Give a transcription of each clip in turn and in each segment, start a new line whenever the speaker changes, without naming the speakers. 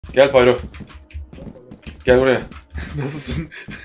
Gel Pyro. Gel buraya. Nasılsın?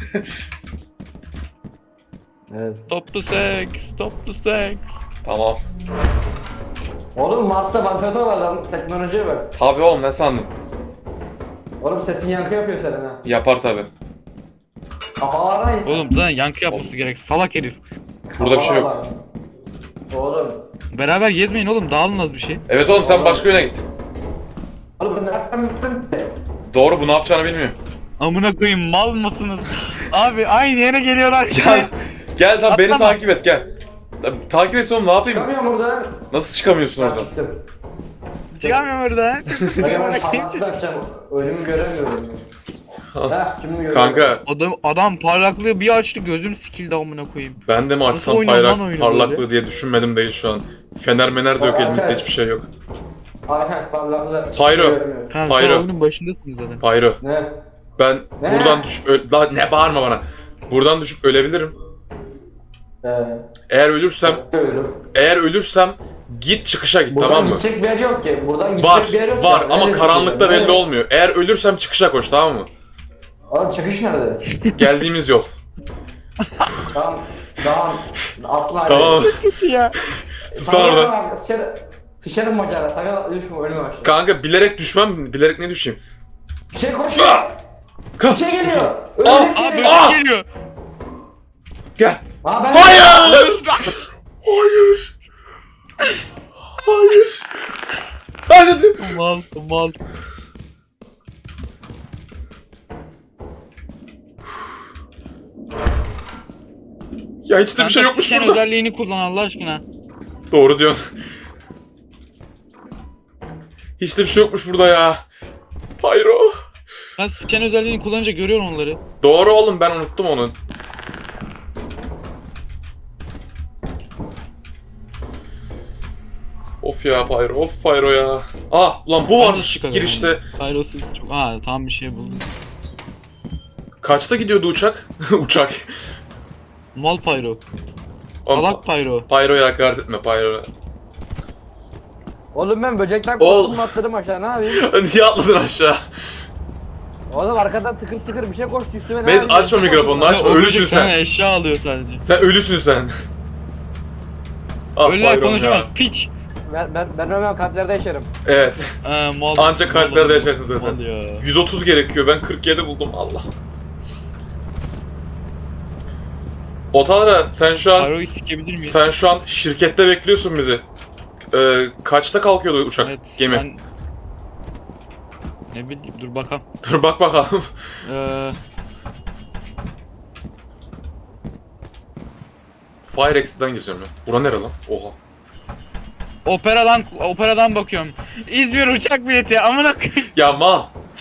Evet.
Stop the sex, stop the sex.
Tamam.
Oğlum Mars'ta vantilatör var lan, teknolojiye bak.
Tabii oğlum, ne sandın?
Oğlum sesin yankı yapıyor senin ha.
Yapar tabii.
Kafalarına in.
Oğlum zaten yankı yapması gerek. Salak herif.
Burada bir şey yok.
Kafalar. Oğlum.
Beraber gezmeyin oğlum. Dağılın az bir şey.
Evet oğlum, sen başka yöne git.
Oğlum ben nereden bildim ki?
Doğru, bu ne yapacağını bilmiyor.
Amına koyayım, mal mısınız? Abi aynı yere geliyorlar.
Gel. Gel tamam, beni
Atlama.
takip et, gel. Takip et oğlum, ne yapayım?
Çıkamıyorum buradan.
Nasıl çıkamıyorsun
Ben
oradan?
çıktım.
Çıkamıyorum oradan.
Hadi ben parmaklık açacağım. Önümü göremiyorum. Heh, şimdi görüyorum.
Kanka,
Adam parlaklığı bir açtı, gözüm sikildi amına koyayım.
ben de mi
Nasıl
açsam
oynuyor lan oyunu
parlaklığı
böyle?
diye düşünmedim değil şu an. Fener mener de yok,
Aa,
elimizde
evet.
hiçbir şey yok.
Aynen parlaklığı.
Pyro.
Göremiyorum.
Kanka
Hayır.
sen oyunun başındasınız zaten.
Pyro,
Ne?
ben
Ne?
buradan düşüp daha ne bağırma bana. Buradan düşüp ölebilirim. Eğer ölürsem git çıkışa git,
Buradan
tamam mı?
gidecek bir yer yok ki. Buradan gidecek
Var,
bir yer yok
var
ki.
ama
Neresi
karanlıkta
gidecek?
belli olmuyor. Eğer ölürsem çıkışa koş, tamam mı?
Oğlum çıkış nerede?
Geldiğimiz yol.
Tamam. Tamam. Atla hadi.
Tamam.
Ya.
Sus lan orada.
Sıçarım macera. Sakın düşme ölüme başla.
Kanka bilerek düşmem, bilerek ne düşeyim?
Bir şey koşuyor. Bir şey geliyor.
Ah!
Ölecek
Abi
geliyor.
Ah!
geliyor.
Gel.
Aa, ben
Hayır! Hayır! Hayır! Hadi.
Mal mal.
Ya hiç de bir şey yokmuş
Sen
burada.
özelliğini kullan Allah aşkına.
Doğru diyorsun. Hiç de bir şey yokmuş burada ya. Pyro.
Ben scan özelliğini kullanınca görüyorum onları.
Doğru oğlum, ben unuttum onu. Of ya Pyro, of Pyro ya. Ah ulan bu varmış girişte.
Pyrosuz çok... Tam bir şey buldum.
Kaçta gidiyordu uçak? Uçak.
Mal Pyro.
Oğlum,
Salak Pyro.
Pyro'ya hakaret etme Pyro.
Oğlum ben böcekten
Oğlum.
korktum atladım aşağı ne yapayım?
Niye atladın aşağı?
Oğlum arkadan tıkır tıkır bir şey koştu üstüme ne
Neyse,
yapayım?
açma mikrofonunu, açma.
O
Ölüsün
böcek
sen.
sana eşya alıyor sadece.
Sen ölüsün sen. Ah
Öyle
Pyro'm
konuşamaz.
ya.
Piç.
Ben Romeo kalplerde yaşarım.
Evet.
Mal.
Ancak kalplerde yaşarsın zaten.
Mal ya.
130 gerekiyor. Ben 47 buldum. Allah. Otalara
Pyro'yu sikebilir miyim?
sen şu an şirkette bekliyorsun bizi. Kaçta kalkıyordu uçak,
Evet,
gemi?
ben... Ne bileyim, dur bakalım.
Dur bak bakalım. Fire Exit'den gireceğim ya. Bura nere lan? Oha.
Operadan bakıyorum. İzmir uçak bileti amına koyayım.
Ya mal.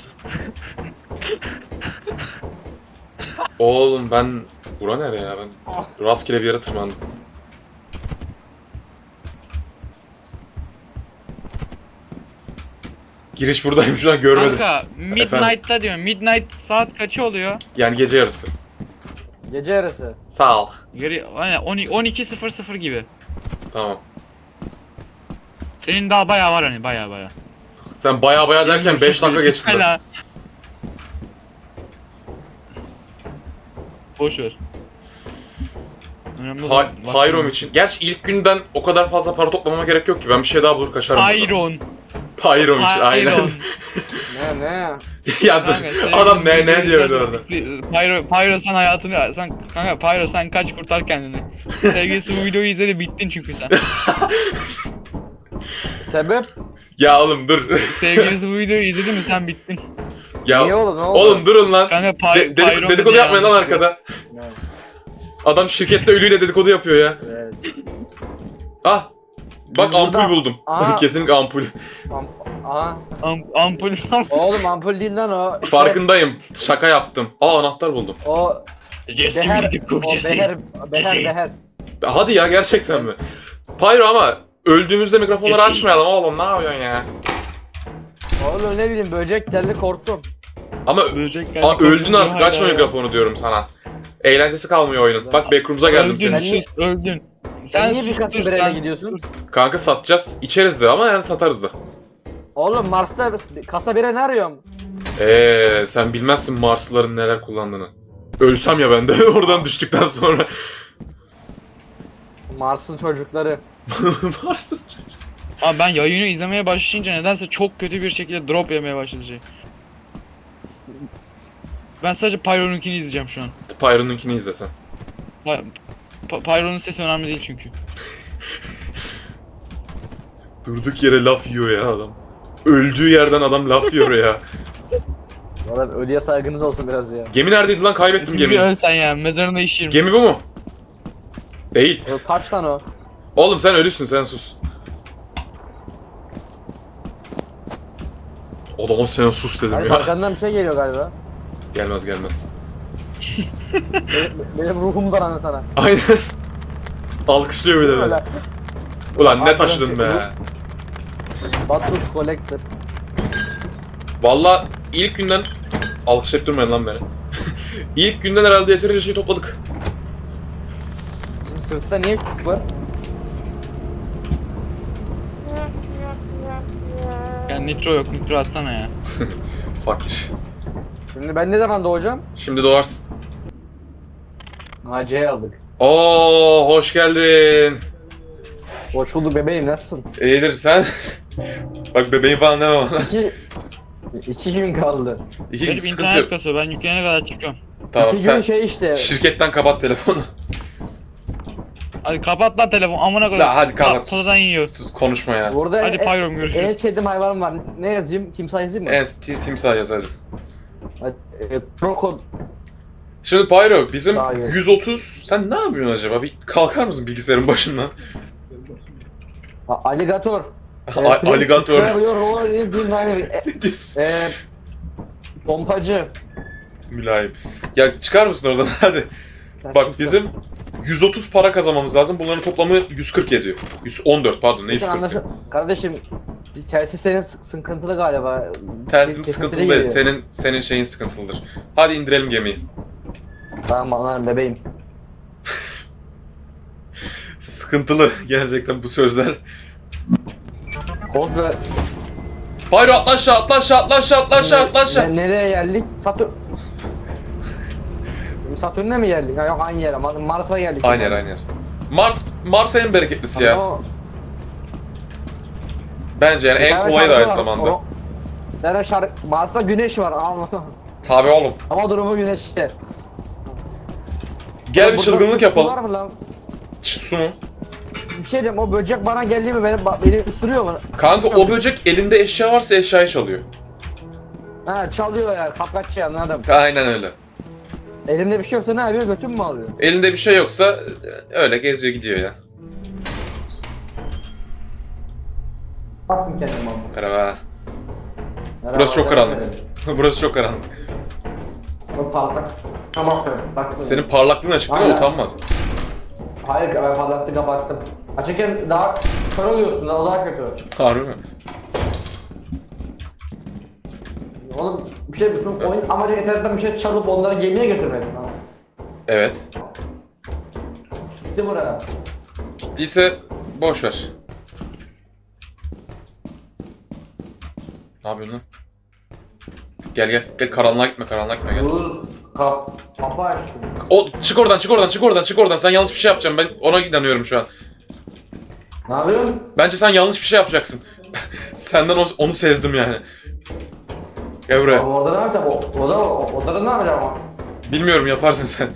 Oğlum ben... Bura nere ya ben? Rastgele bir yere tırmandım. Giriş buradayım, şu an görmedim.
Kanka Midnight'ta diyorum. Midnight saat kaçı oluyor?
Yani gece yarısı.
Gece yarısı.
Sağ ol.
Aynen 12.00 gibi.
Tamam.
Senin daha bayağı var hani bayağı.
Sen baya baya derken 5 dakika geçti. zaten.
Hala. Boş ver. Önemli olan-
Pyro'm için. Gerçi ilk günden o kadar fazla para toplamama gerek yok ki. Ben bir şey daha bulur kaçarım. buradan.
Pyron.
Pyro'm için aynen.
Ne?
Ya dur.
Kanka,
Adam ne diyor orada.
Pyro sen hayatını kanka Pyro sen kaç kurtar kendini. Sevgilisi bu videoyu izledi bittin çünkü sen.
Sebep?
Ya oğlum dur.
Sevgilisi bu videoyu izledi mi sen bittin.
Ya
Niye oğlum, ne oldu?
oğlum durun lan.
Kanka
Dedikodu
dedi
yapmayın lan
yanlış.
arkada.
Ne?
Adam şirkette ölüyle dedikodu yapıyor ya.
Evet.
Ah. Bak
Burada-
ampul buldum.
Aa.
Kesinlikle ampul.
Aha.
Ampul.
Oğlum ampul değil lan o. İşte
Farkındayım. Şaka yaptım. Aa, anahtar buldum.
O Beher. O Beher.
Hadi ya, gerçekten mi? Pyro ama öldüğümüzde mikrofonları
Kesin.
açmayalım oğlum, ne yapıyorsun ya?
Oğlum ne bileyim böcek geldi korktum.
Ama öldün artık, açma mikrofonu diyorum sana. Eğlencesi kalmıyor oyunun. Bak backroom'za geldim
Öldün,
senin
Sen
için.
sus, öldün.
Sen niye bir
sus,
kasa
sus,
bireyle
sen-
gidiyorsun?
Kanka satacağız. İçeriz de ama yani satarız da.
Oğlum Mars'ta kasa bire ne arıyorum?
Sen bilmezsin Marslıların neler kullandığını. Ölsem ya ben de oradan düştükten sonra.
Mars'ın çocukları.
Marslı.
Abi ben yayını izlemeye başlayınca nedense çok kötü bir şekilde drop yemeye başladı şey. Ben sadece Pyro'nunkini izleyeceğim şu an.
Pyro'nunkini izlesen.
Pyro'nun sesi önemli değil çünkü.
Durduk yere laf yiyor ya adam. Öldüğü yerden adam laf yiyor ya.
Valla ölüye saygınız olsun biraz ya.
Gemi neredeydi lan? Kaybettim
Bir
gemiyi.
ölsen ya, mezarında işerim.
Gemi bu mu? Değil.
Kaç tane o?
Oğlum sen ölüsün, sen sus. Adama sen sus dedim
Hayır
ya.
arkandan bir şey geliyor galiba.
Gelmez gelmez.
Benim ruhum daranır sana.
Aynen. Alkışlıyor bir de beni. Ulan ne taşıdın be.
Batus Collector.
Valla ilk günden... Alkışlayıp durmayın lan beni. İlk günden herhalde yeterince şey topladık.
Bizim sırtta niye küçük var?
Yani nitro yok, nitro atsana ya.
Fakir.
Şimdi ben ne zaman doğacağım?
Şimdi doğarsın.
Naciye'yi aldık.
Oo, hoş geldin.
Hoş bulduk bebeğim, nasılsın?
İyidir sen. Bak bebeğim falan deme bana.
İki gün kaldı.
İki
Benim
sıkıntı
internet
yok.
kasıyor, ben yükleyene kadar çıkıyorum.
Tamam
İki gün
sen
şey işte.
şirketten kapat telefonu.
Hadi kapat lan telefon, amına koyayım.
La hadi kapat.
Tadan yiyor.
Sus konuşma ya.
Burada
Hadi Pyro'm görüşürüz.
en sevdiğim hayvanım var. Ne yazayım? Timsah yazayım mı?
Timsah yaz hadi.
Kroko.
Şimdi Pyro bizim
Daha iyi.
130. Sen ne yapıyorsun acaba? Bir kalkar mısın bilgisayarın başından?
Alligator.
Alligator.
Ne
Diyorsun.
Pompacı.
Mülayim. Ya çıkar mısın oradan hadi. Bak bizim 130 para kazanmamız lazım. Bunların toplamı 140 ediyor. 114 pardon ne 140?
Kardeşim telsiz senin sıkıntılı galiba.
Telsizim
Kesintiye
sıkıntılı değil.
geliyor.
Senin şeyin sıkıntılıdır. Hadi indirelim gemiyi.
Tamam anlarım bebeğim.
Sıkıntılı gerçekten bu sözler.
Kodla
Pyro atla aşağı, atla aşağı, atla aşağı, atla aşağı, atla aşağı.
nereye geldik? Satürn'e mi geldik? Ha, yok aynı yere. Mars'a geldik.
Aynı yer, aynı yer. Mars en bereketlisi ya.
Ama
Bence yani
bir
en
tane
kolayı da
şarkı
aynı
var,
zamanda.
Bir tane şarkı. Mars'ta güneş var. Allah.
Tabii oğlum.
Hava durumu güneşte.
Gel bir
Burada
çılgınlık
su var
yapalım.
mı lan?
Su mu?
Bir şey diyeyim, o böcek bana geldi mi beni ısırıyor mu?
Kanka o böcek elinde eşya varsa eşyayı çalıyor.
Ha çalıyor ya, kapkaççı anladım.
Aynen öyle.
Elimde bir şey yoksa ne yapıyor, götüm mü alıyor?
Elinde bir şey yoksa öyle geziyor gidiyor ya.
Baktım kendime abi.
Merhaba.
Merhaba,
Burası çok
merhaba.
karanlık. Burası çok karanlık.
Çok parlak. Tamam bak.
Senin parlaklığın açık değil mi?
Aynen.
Utanmaz.
Hayır ben parlaktı kapattım. Açıkken daha kör oluyorsun, daha kötü.
Harbi mi?
Oğlum bir şey şu oyun amacı internetten bir şey çalıp onları gemiye götürmedim. Ha.
Evet.
Gitti buraya.
Gittiyse boş ver. Ne yapıyorsun lan? Gel gel. Gel karanlığa gitme, karanlığa gitme gel.
Buz kapı açtım.
O çık oradan, çık oradan, çık oradan, çık oradan. Sen yanlış bir şey yapacaksın. Ben ona inanıyorum şu an.
Ne yapıyorsun?
Bence sen yanlış bir şey yapacaksın. Senden onu sezdim yani. Gel buraya.
Ama orada ne yapacağım? Orada ne yapacağım ama?
Bilmiyorum yaparsın sen.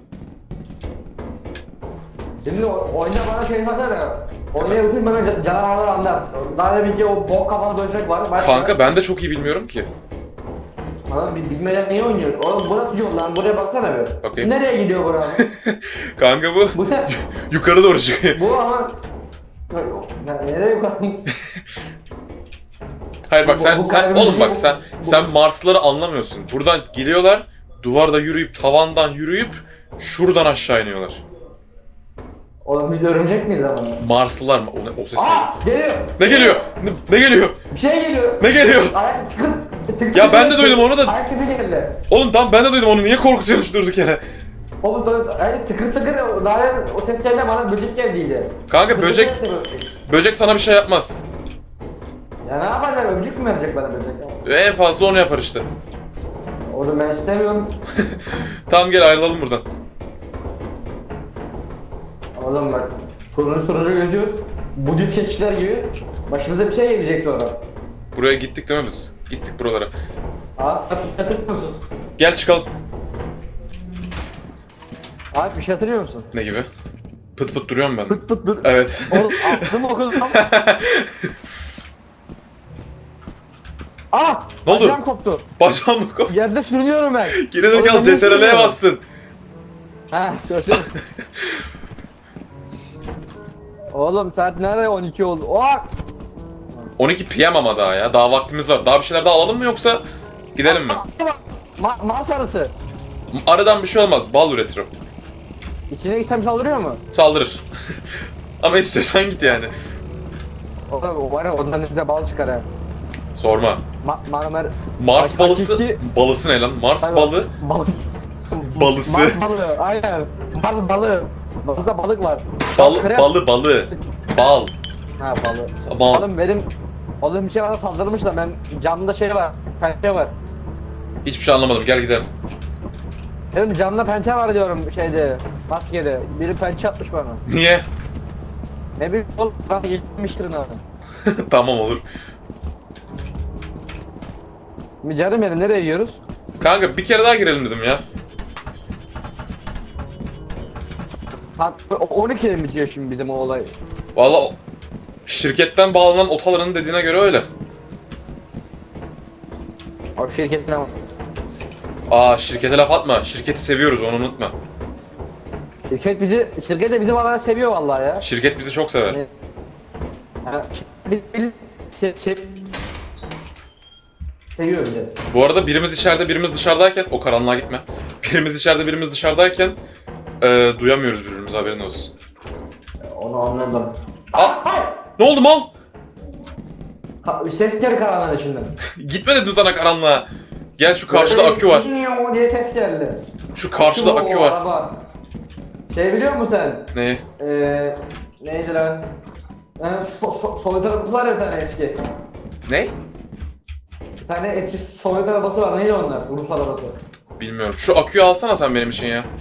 Şimdi oyunda bana şey yapar ya. Oynaya bütün bana canavarlar anlar. Daha demin ki o bok kafalı böcek var. Başka
Kanka ben de çok iyi bilmiyorum ki.
Adam bilmeden neyi oynuyor? Oğlum burası yok lan, buraya baksana bir.
Bakayım.
Nereye gidiyor burası?
Kanka bu
Bu ne?
yukarı doğru çıkıyor.
Bu ama... Ya nereye yukarı?
Hayır bak sen
Bu
sen
kalbin
oğlum bak
bu-
sen Marslıları anlamıyorsun. Buradan geliyorlar, duvarda yürüyüp tavandan yürüyüp şuradan aşağı iniyorlar.
Oğlum biz örümcek miyiz ama?
Marslılar mı? O ses ne?
Aa! Geliyor!
Ne geliyor? Ne geliyor?
Bir şey geliyor!
Ne geliyor?
Ayak tıkır
Ya ben de duydum onu da.
Ayak sesi geldi.
Oğlum tamam ben de duydum onu. Niye korkutuyorsun durduk yere?
Oğlum ayak tıkır tıkır daha o ses geldi, bana böcek geldiydi.
Kanka böcek sana bir şey yapmaz.
Ya ne yapacak? Öpücük mü verecek bana böcek?
En fazla onu yapar işte.
Oğlum ben istemiyorum.
Tamam gel ayrılalım buradan.
Oğlum bak. Sonucu geziyoruz. Budist keçiler gibi. Başımıza bir şey gelecek sonra.
Buraya gittik değil mi biz? Gittik buralara.
Hatırlıyor musun?
Gel çıkalım.
Abi bir şey hatırlıyor musun?
Ne gibi? Pıt pıt duruyorum ben.
Pıt pıt dur.
Evet.
Oğlum aklım okudum. Ah!
Ne oldu?
Bacağım koptu.
Bacağım mı koptu?
Yerde sürünüyorum ben.
Geri
Oğlum,
zekalı
ben niye
CTRL'ye
sürünüyorum?
bastın.
Ha söyle. Oğlum saat nerede 12 oldu? Oh!
12 PM ama daha ya. Daha vaktimiz var. Daha bir şeyler daha alalım mı yoksa gidelim mi?
Mars arısı.
Aradan bir şey olmaz. Bal üretirim.
İçine gitsem saldırıyor mu?
Saldırır. Ama istiyorsan git yani.
Oğlum o var ya ondan bize bal çıkar ha.
Sorma.
Marmer...
Mars balısı.
Hakiki-
Balısı ne lan? Mars
Hayır,
balı.
Balık.
Balısı.
Mars balığı aynen. Mars balığı. Mars'ta balık var.
Balı. Bal.
Ha balığı.
Bal.
Oğlum benim... Oğlum bir şey bana saldırmış da ben canımda şey var. Pençe var.
Hiçbir şey anlamadım. Gel gidelim.
Benim canımda pençe var diyorum şeyde. Maskede. Biri pençe atmış bana.
Niye?
Ne bileyim oğlum bana gitmiştir ne?
Tamam olur.
Canım benim nereye gidiyoruz?
Kanka bir kere daha girelim dedim ya.
12'de mi bitiyor şimdi bizim o olay?
Valla şirketten bağlanan otaların dediğine göre öyle.
O şirketin ama.
Aa şirkete laf atma. Şirketi seviyoruz onu unutma.
Şirket de bizi valla seviyor vallahi ya.
Şirket bizi çok sever.
Yani, seviyor bizi.
Bu arada birimiz içeride birimiz dışarıdayken o karanlığa gitme. Birimiz içeride birimiz dışarıdayken duyamıyoruz birbirimizi haberin olsun.
Onu anladım.
Ne oldu mal?
Ses geldi karanlığın içinden.
Gitme dedim sana karanlığa. Gel şu karşıda akü var.
Diye ses geldi.
Şu karşıda akü var.
Araba. Şey biliyor musun sen?
Ne?
Neydi lan? Sovyet arabası var ya bir tane eski.
Ne?
Bir tane eski Sovyet arabası var. Neydi onlar? Rus arabası.
Bilmiyorum. Şu aküyü alsana sen benim için ya.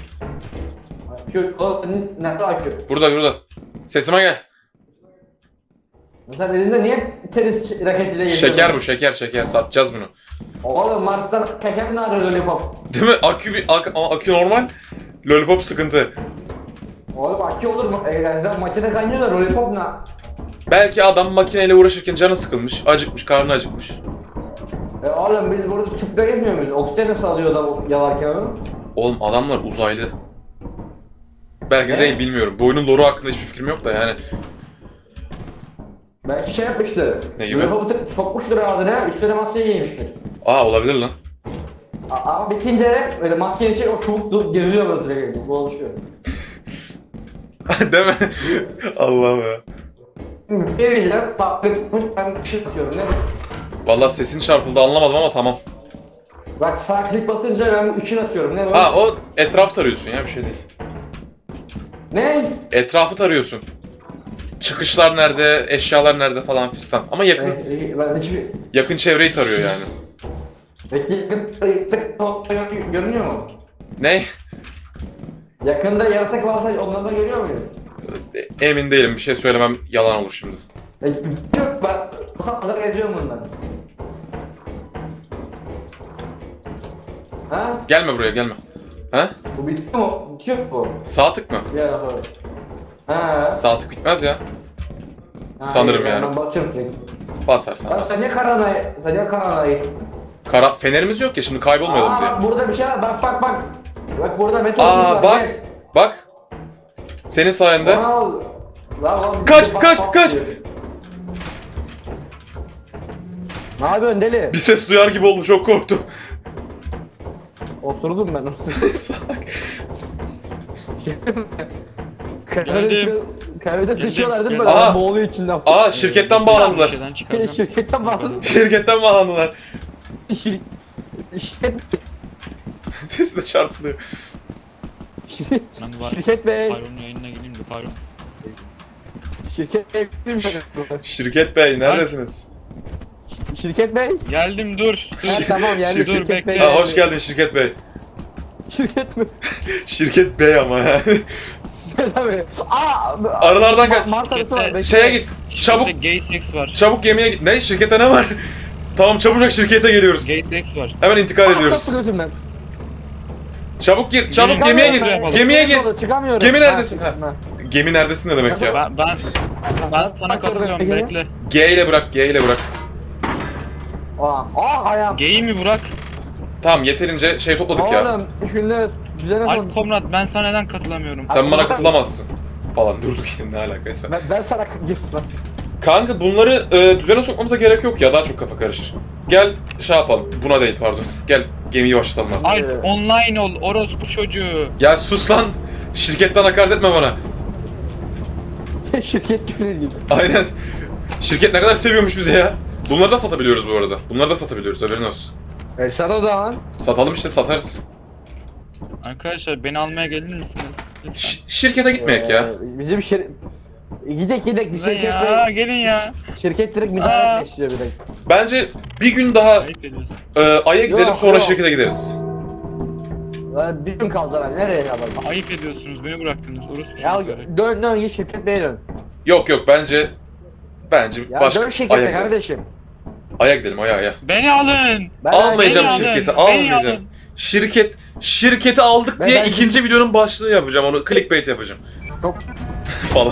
Nerede akü?
Burada. Sesime gel.
Sen elinde niye tenis raketiyle geziyorsun?
Şeker bu şeker. Satacağız bunu.
Oğlum Mars'tan şeker mi arıyor lollipop?
Değil mi? Ama akü normal. Lollipop sıkıntı.
Oğlum akü olur mu? Makine kaynıyor da lollipop ne?
Belki adam makineyle uğraşırken canı sıkılmış, acıkmış, karnı acıkmış.
Oğlum biz burada tüple gezmiyor muyuz? Oksijen nasıl alıyor da yalarken onu?
Oğlum adamlar uzaylı. Belki de
Ne?
değil bilmiyorum. Bu oyunun lore'u hakkında hiçbir fikrim yok da yani.
Belki şey yapmıştır.
Ne gibi?
Lollipopu sokmuştur ağzına, üstüne maskeyi giymiştir.
Aa olabilir lan.
Ama bitince öyle maskenin içi o çubuk geziyor böyle sürekli, dolaşıyor.
Değil mi? Allah'ım ya.
Bir diyeceğim, taktıkmış, ben ışık atıyorum değil mi?
Vallahi sesin çarpıldı anlamadım ama tamam.
Bak sağ klik basınca ben ışık atıyorum, ne bu?
Ha o etraf tarıyorsun ya bir şey değil.
Ne?
Etrafı tarıyorsun. Çıkışlar nerede, eşyalar nerede falan fistan. Ama
Ben hiçbir...
yakın çevreyi tarıyor yani.
Peki görünüyor mu?
Ne?
Yakında yaratık varsa onları da görüyor muyum?
Emin değilim bir şey söylemem yalan olur şimdi.
Yok ben bu kadar geziyorum bundan. Ha?
Gelme buraya gelme. Ha?
Bu bitiyor mu? Bitiyor mu bu?
Sağ tık mı?
Bir ara sonra. Ha.
Sağ tık bitmez ya.
Ha,
sanırım
iyi,
yani.
Ben basıyorum sürekli.
Basarsan
Lan
bas.
sen niye karanlığa gittin?
Fenerimiz yok ya şimdi kaybolmayalım diye.
Bak burada bir şey var, bak. Bak burada metal ışık
Aa
var,
bak.
gel.
Bak. Senin sayende.
Onu al. Lan,
Kaç,
bak,
kaç,
bak
kaç!
diyor. Ne yapıyorsun deli?
Bir ses duyar gibi oldum çok korktum.
Oturdum ben.
Salak.
Kahvede
Geldim.
sıçıyorlar değil mi?
Aa.
Böyle boğuluyor içinden.
Aa şirketten bağlandılar.
Şeyden çıkaracağım.
Şirketten bağlı.
Şirketten bağlandılar.
Şirket...
Sesi de çarpılıyor.
Ben var.
Şirket Bey.
Pyro'nun yayınına gireyim de Pyro.
Şirket Bey.
Şirket Bey neredesiniz?
Şirket Bey.
Geldim dur.
Ha, tamam yani
Dur,
Şirket
bekle.
Bey.
Ha, hoş geldin Şirket Bey.
Şirket mi?
Şirket Bey ama yani.
Tabii. Aa!
Aralardan kaç.
Mart arası var. bekle.
Şeye git. Çabuk.
Gay sex var.
Çabuk gemiye git. Ne? Şirkette ne var? Tamam çabucak şirkete geliyoruz.
Gay sex var.
Hemen intikal ediyoruz.
Çok götümden.
Çabuk gir. Çabuk
Gemi-
gemiye
Çıkamıyorum
gir.
ben.
Gemiye gir.
Çıkamıyorum.
Gemi neredesin?
Ha,
Ha. Gemi neredesin ne demek ya?
Ben sana katılıyorum bekle.
G ile bırak. G ile bırak.
Ayağım.
Gay'i mi Burak?
Tamam yeterince şey topladık ya.
Oğlum şunları düzene son.
Alp Komrat ben sana neden katılamıyorum?
Sen bana katılamazsın. Falan durduk yine ne alakaysa.
Ben sana gir.
Kanka bunları düzene sokmamıza gerek yok ya daha çok kafa karışır. Gel şey yapalım. Buna değil pardon. Gel gemiyi başlatalım artık.
Alp online ol orospu çocuğu.
Ya sus lan. Şirketten hakaret etme bana.
Şirket küfür ediyor.
Aynen. Şirket ne kadar seviyormuş bizi ya. Bunları da satabiliyoruz bu arada. Bunları da satabiliyoruz haberin olsun.
Sana o zaman.
Satalım işte satarız.
Arkadaşlar beni almaya gelir misiniz? Lütfen.
Şirkete gitmeyek ya.
Bizim Gidek bir
Lan
şirket
ya
Bey.
gelin ya.
Şirket direkt
Aa.
müdahale geçiyor bir de.
Bence bir gün daha
Ayıp ediyorsun.
Ay'a gidelim
Yok,
sonra
yok.
şirkete gideriz.
Lan bir gün kaldı lan nereye yapalım?
Ayıp ediyorsunuz beni bıraktınız orospu
Ya
çocukları.
dön git şirket Bey'e dön.
Yok bence
Ya
başka
dön şirkete
Ay'a gidelim.
kardeşim.
Ay'a gidelim Ay'a.
Beni alın.
Ben
Almayacağım
beni alın,
şirketi
beni
almayacağım.
alın.
Şirketi aldık diye
Ben-
ikinci videonun başlığı yapacağım onu clickbait yapacağım.
Çok...
Falan.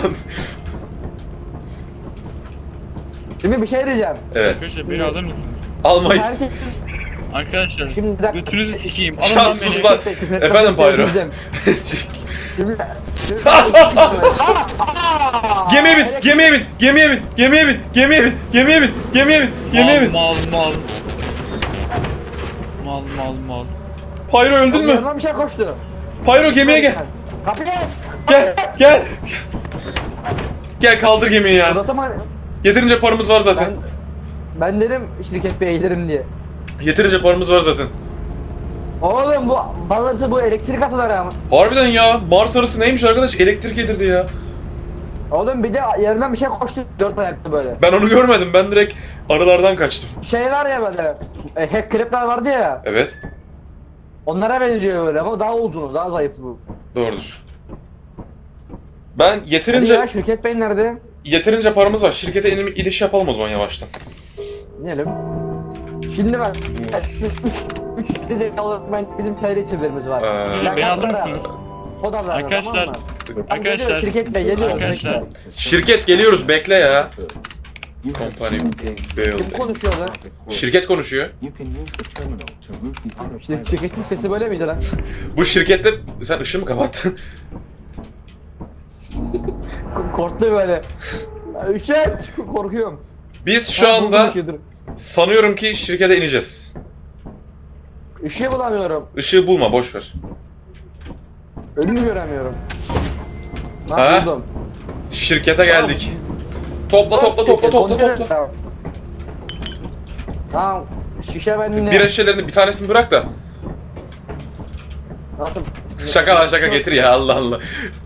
Şimdi bir şey diyeceğim.
Evet.
Arkadaşlar beni alır mısınız?
Almayız.
Herkes
Arkadaşlar
Şimdi bir dakika.
götünüzü sikeyim. Alın
Ya
lan
sus
beni.
lan. Efendim Pyro.
Şimdi...
Gemiye bin, gemiye bin, gemiye bin, gemiye bin, gemiye bin, gemiye bin, gemiye bin, gemiye bin.
Mal mal. Mal mal mal.
Pyro öldün mü?
Yanına bir şey koştu.
Pyro gemiye gel.
Kapıya.
Gel. Gel kaldır gemiyi ya.
Uzatama.
Yeterince paramız var zaten.
Ben dedim şirket Bey'e giderim diye.
Yeterince paramız var zaten.
Oğlum bu bazısı bu elektrik atıları ama.
Harbiden ya. Mars arısı neymiş arkadaş? Elektrik yedirdi ya.
Oğlum bir de yanından bir şey koştu dört ayaklı böyle.
Ben onu görmedim. Ben direkt arılardan kaçtım.
Şey var ya böyle. Hack krepler vardı ya.
Evet.
Onlara benziyor böyle ama daha uzun, daha zayıf bu.
Doğrudur. Ben
Hadi ya
yeterince
şirket Bey nerede?
paramız var. Şirkete iniş yapalım o zaman yavaştan.
Diyelim. Şimdi bak. 3 dizi ben bizim TR çevirimiz var.
Ee,
Beni alır mısınız?
Kodalar
Arkadaşlar,
Arkadaşlar.
Arkadaşlar.
Şirket Bey geliyor.
Arkadaşlar.
Şirket geliyoruz bekle ya. Company
Kim
building.
konuşuyor lan?
Şirket konuşuyor.
İşte şirketin sesi böyle miydi lan?
Bu şirkette sen ışığı mı kapattın?
Korktu böyle. Üşet! Korkuyorum.
Biz şu
Ha, bu
anda
konuşuyordur.
sanıyorum ki şirkete ineceğiz.
Işığı bulamıyorum.
Işığı bulma boş ver.
Önümü göremiyorum.
Ha?
Lan buldum.
Şirkete geldik. Topla.
Tamam. Şişe bende.
Bir şişelerini bir tanesini bırak da.
Nasıl?
Şaka lan şaka getir ya Allah Allah.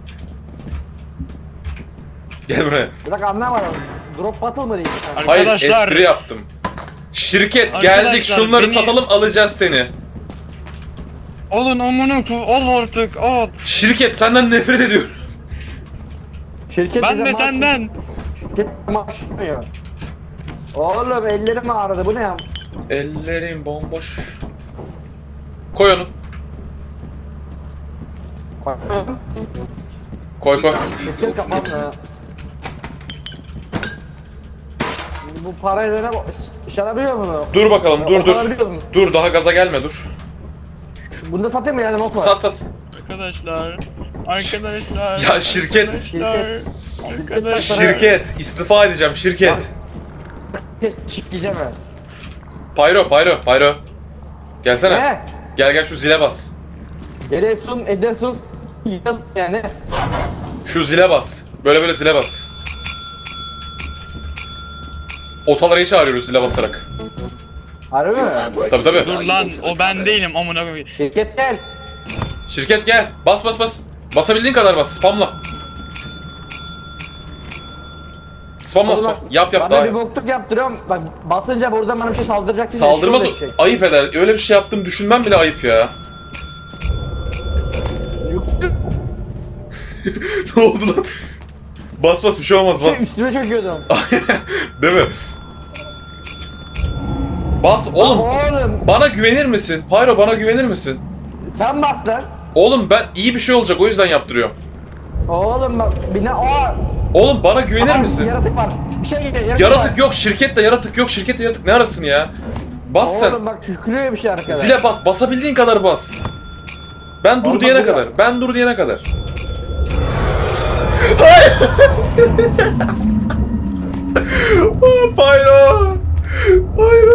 Gel buraya.
Bir dakika anlamadım. Drop battle mı değil?
Hayır
Arkadaşlar.
espri yaptım. Şirket
Arkadaşlar,
geldik şunları
beni-
satalım alacağız seni.
Olun amına ol artık ol.
Şirket senden nefret ediyorum.
Şirket
Ben
bize
de
maaş-
senden.
Şirket maaş vermiyor. Oğlum ellerim ağrıdı bu ne ya?
Ellerim bomboş. Koy onu. Koy.
Şirket kapandı. Bu parayla ne iş alabiliyor mu?
Dur bakalım dur.
Alabiliyor mu?
Dur daha gaza gelme dur.
Bunu da satayım mı yani not var?
Sat.
Arkadaşlar.
Ya şirket.
Arkadaşlar.
Şirket istifa edeceğim şirket.
Şirkeceğim ben.
Pyro. Gelsene.
Ne?
Gel şu zile bas.
Geliyorsun, edersun, yani.
Şu zile bas. Böyle zile bas. Otaları çağırıyoruz zile basarak.
Harbi mi?
Tabii.
Dur lan o ben değilim amına koyayım.
Şirket gel.
Şirket gel. Bas. Basabildiğin kadar bas. Spamla. Spamla
Oğlum,
spam. Yap
bana
daha
bir
iyi.
bokluk yaptırıyorum. Bak basınca buradan bana bir şey saldıracak diye.
Saldırmaz,
şöyle şey.
ayıp eder. Öyle bir şey yaptım düşünmem bile ayıp ya. Ne oldu lan? Bas bas, bir şey olmaz, bas.
Üstüme çöküyordum.
Değil mi? Bas oğlum.
Oğlum
Bana güvenir misin? Pyro, bana güvenir misin?
sen bas lan.
Oğlum ben iyi bir şey olacak, o yüzden yaptırıyorum.
Oğlum bak bina
Oğlum bana güvenir misin?
Yaratık var. Bir şey geliyor.
Yaratık yok, şirkette yaratık yok, şirkette yaratık ne arasın ya? Bas sen.
Oğlum bak tükürüyor bir şey arkada.
Zile bas, basabildiğin kadar bas. Ben dur
Oğlum,
diyene
bak,
kadar, ben dur diyene kadar. Hayır! Oh, Pyro! Pyro!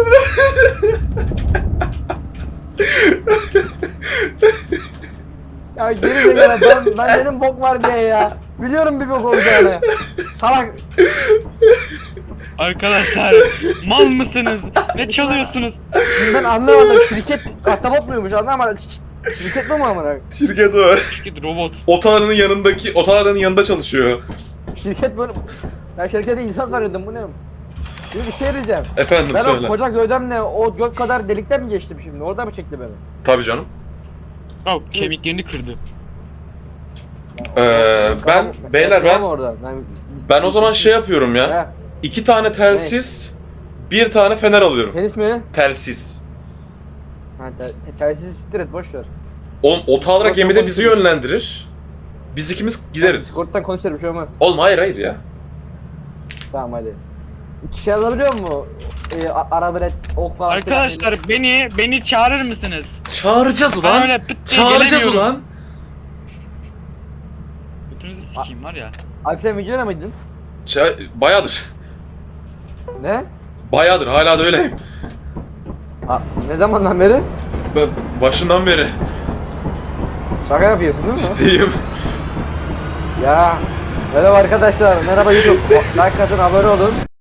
Ya geri zekalı ben dedim bok var diye ya. Biliyorum bir bok olacağını. Salak.
Arkadaşlar mal mısınız? Ne çalıyorsunuz?
Ben anlamadım. Şirket ahtapot muymuş anlamadım. Şirket mi amına?
Şirket o.
Şirket robot.
Otalarının yanındaki, otalarının yanında çalışıyor.
Şirket böyle. Ben şirkette insan sanıyordum bu ne? Şimdi bir şey diyeceğim.
Efendim
Ben
söyle.
o koca gövdemle o gök kadar delikten mi geçtim şimdi? Orada mı çekti beni?
Tabii canım.
Oh, kemiklerini kırdı.
Beyler ben
Orada.
ben o zaman şey yapıyorum ya.
He.
2 tane telsiz, 1 tane fener alıyorum.
Tenis mi?
Telsiz.
Ha, telsiz siktir et boş ver.
Oğlum ota alarak
Discord'dan
gemide bizi
konuşuruz.
yönlendirir. Biz ikimiz gideriz.
Discord'dan konuşalım bir şey olmaz.
Oğlum hayır ya.
Tamam hadi. Şey alabiliyor mu? Arabelet, ok falan.
Arkadaşlar beni çağırır mısınız?
Çağıracağız
Ben
ulan.
öyle pıt diye
Çağıracağız
gelemiyorum.
ulan.
Götünüzü sikeyim var ya.
Abi sen videoda mıydın?
Bayağıdır.
Ne?
Bayağıdır, hala da öyleyim.
Ne zamandan beri?
Ben başından beri
Şaka yapıyorsun değil mi?
ciddiyim.
Ya. Merhaba arkadaşlar. Merhaba YouTube. Like atın, abone olun.